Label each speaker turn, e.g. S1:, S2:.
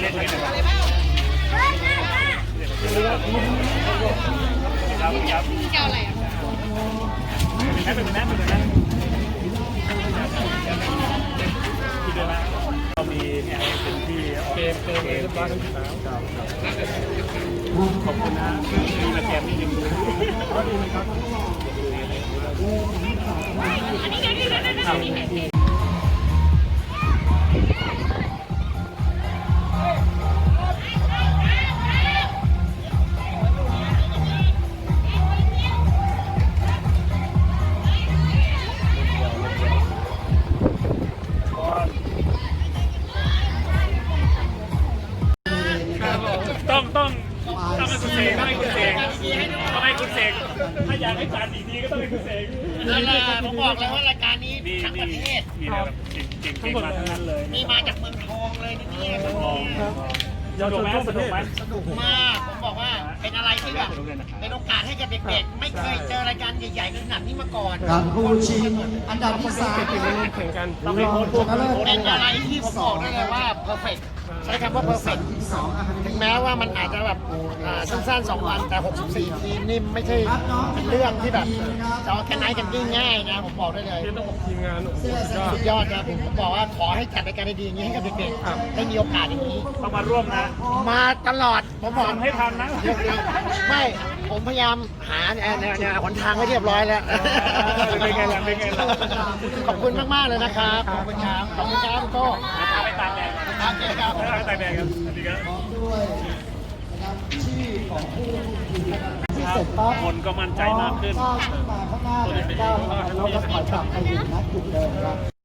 S1: ได้คุยกันครับ
S2: เจ้าอะไรอ่ะ
S1: เป็นนะที่เดินมาเรามีเนี่ยเป็นที่เกมเรียบร้อยทั้งสามขอบคุณนะมีมาแกมนี่ยังดูดีไหมครับต้องให้คุณเสกต้องให้คุณเสกถ้าอยากให้จ่าดีก็ต้องให้คุณเสก
S2: ผมบอกเลยว่ารายการนี้ทั้งประเทศ
S1: มีแบบเก่งมาทั้งนั้นเลย
S2: นี่มาจากเมืองทองเลยนี่
S1: สนุกไหมสนุก
S2: มากผมบอกว่าเป็นอะไรที่แบบเป็นโอกาสให้กับเด็กๆไม่เคยเจอรายการใหญ่ๆขนาดนี้มาก่อน
S3: การคู่ชิงอันดับที่3
S1: แข่งกันต้องเป็นโค้ช
S2: เป็นอะไรที่ผมบอกได้เลยว่าเพอร์เฟกต์ใช้คำว่าเพอร์เฟกต์ถึงแม้ว่ามันอาจจะแบบสั้นๆ2 วันแต่64ทีมนี่ไม่ใช่เป็นเรื่องที่แบบจะเอาแค่ไหนกันง่ายๆนะผมบอกได้เลย
S1: ต้องบอกทีมงาน
S2: สุดยอดนะผมบอกว่าขอให้จัดรายการดีๆอย่างนี้ให้กับเด็กๆได้มีโอกาสอย่างนี้
S1: ต้องมาร่วมนะ
S2: มาตลอดผมบอก
S1: ให้ทันนะ
S2: ไม่ผมพยายามหาเนี่ยหนทางให้เรียบร้อยแล้ว
S1: เป็นไงล่ะ
S2: ขอบคุณมากๆเลยนะครับขอบคุณครับก็
S1: ไปตามแดง
S2: ครับเจ๊ครับ
S1: ไปตามแดงครับสวัสดีครับ
S3: ด้วยนะครับชื่อของผู้ที่เสร็จปั๊บ
S1: คนก็มั่นใจมากขึ้น
S3: ก้าวขึ้นมาข้างหน้าเลยก้าวขึ้นมาแล้วก็ถอยกลับไปอยู่ณจุดเดิมครับ